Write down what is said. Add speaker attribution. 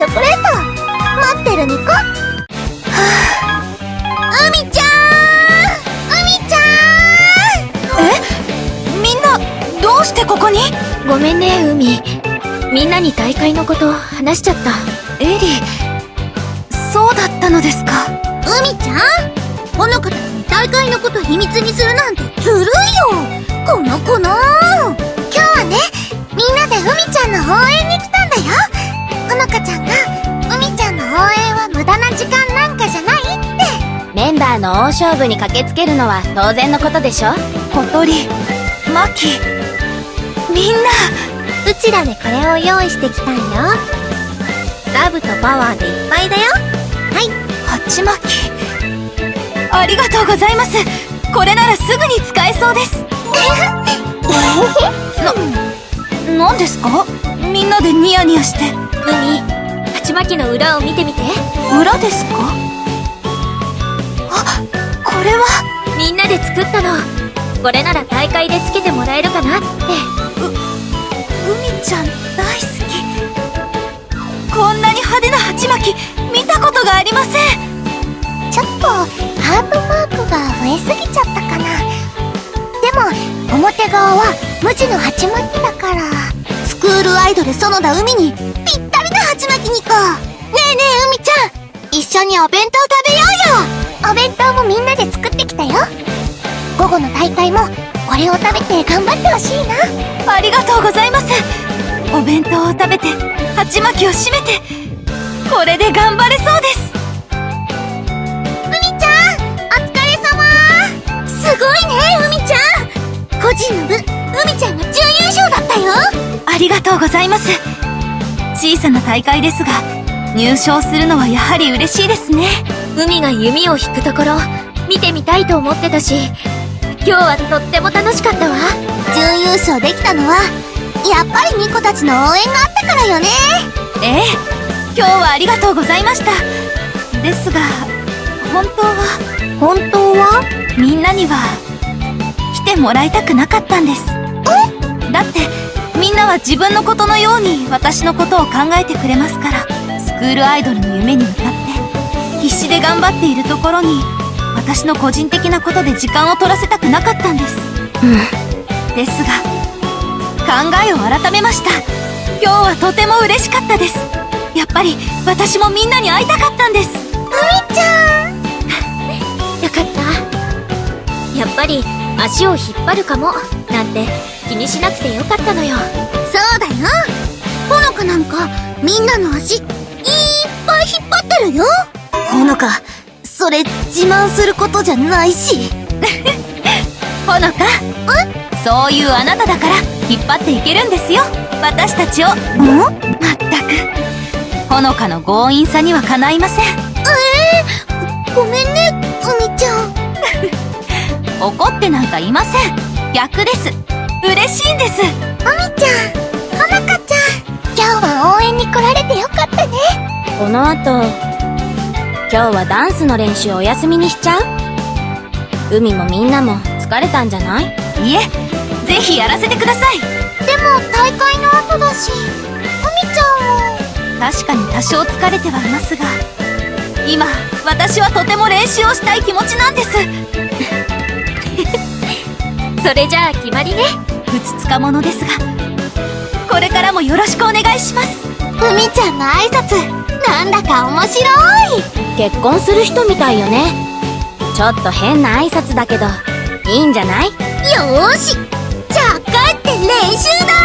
Speaker 1: ョコレート待ってるニコ。はあ、海ちゃん、海ちゃん。
Speaker 2: え、みんなどうしてここに？
Speaker 3: ごめんね、海。みんなに大会のこと話しちゃった。
Speaker 2: エリ、そうだったのですか。
Speaker 1: 海ちゃん、ほのかたちに大会のこと秘密にするなんてずるいよ、この子の。今日はね、みんなで海ちゃんの応援に来たんだよ。ほのかちゃんが海ちゃんの応援は無駄な時間なんかじゃないって。
Speaker 3: メンバーの大勝負に駆けつけるのは当然のことでしょ。
Speaker 2: 小鳥、マキ、みんな。
Speaker 1: うちらでこれを用意してきたんよ。ラブとパワーでいっぱいだよ。はい、
Speaker 2: 鉢巻き、ありがとうございます。これならすぐに使えそうです。なんですか？みんなでニヤニヤして。
Speaker 3: 海、鉢巻きの裏を見てみて。
Speaker 2: 裏ですか？あ、これは
Speaker 3: みんなで作ったの。これなら大会でつけてもらえるかなって。
Speaker 2: 海ちゃん大好き。こんなに派手な鉢巻き見たことがありません。
Speaker 1: ちょっとハートマークが増えすぎちゃったかな。でも表側は無地の鉢巻きだから、スクールアイドル園田海にぴったりな鉢巻きにこう。ねえねえ海ちゃん、一緒にお弁当食べようよ。お弁当もみんなで作ってきたよ。午後の大会もこれを食べて頑張ってほしいな。
Speaker 2: ありがとうございます。お弁当を食べて鉢巻きを締めて、これで頑張れそうです。
Speaker 1: 海ちゃん、お疲れ様。すごいね海ちゃん。個人の部、海ちゃんが準優勝だったよ。
Speaker 2: ありがとうございます。小さな大会ですが入賞するのはやはり嬉しいですね。
Speaker 3: 海が弓を引くところ見てみたいと思ってたし、今日はとっても楽しかったわ。
Speaker 1: 準優勝できたのはやっぱりニコたちの応援があったからよね。
Speaker 2: ええ、今日はありがとうございました。ですが本当はみんなには来てもらいたくなかったんです。だってみんなは自分のことのように私のことを考えてくれますから。スクールアイドルの夢に向かって必死で頑張っているところに私の個人的なことで時間を取らせたくなかったんです。ですが考えを改めました。今日はとても嬉しかったです。やっぱり私もみんなに会いたかったんです。
Speaker 1: 海ちゃん
Speaker 3: よかった。やっぱり足を引っ張るかもなんて気にしなくてよかったのよ。
Speaker 1: そうだよ。ほのかなんかみんなの足いっぱい引っ張ってるよ。ほのか、それ自慢することじゃないし。
Speaker 2: ほのか、そういうあなただから引っ張っていけるんですよ、私たちを。まったくほのかの強引さにはかないません。
Speaker 1: ごめんね海ちゃん。
Speaker 2: 怒ってなんかいません。逆です。嬉しいんです。
Speaker 1: 海ちゃん、ほのかちゃん、今日は応援に来られてよかったね。
Speaker 3: この後今日はダンスの練習お休みにしちゃう？海もみんなも疲れたんじゃない？
Speaker 2: いえ、ぜひやらせてください。
Speaker 1: でも大会の後だし、海ちゃんも。
Speaker 2: 確かに多少疲れてはいますが、今私はとても練習をしたい気持ちなんです。
Speaker 3: それじゃあ決まりね。
Speaker 2: ふつつかものですが、これからもよろしくお願いします。
Speaker 1: 海ちゃんの挨拶なんだか面白い。
Speaker 3: 結婚する人みたいよね。ちょっと変な挨拶だけどいいんじゃない？
Speaker 1: よーし、じゃあ帰って練習だ。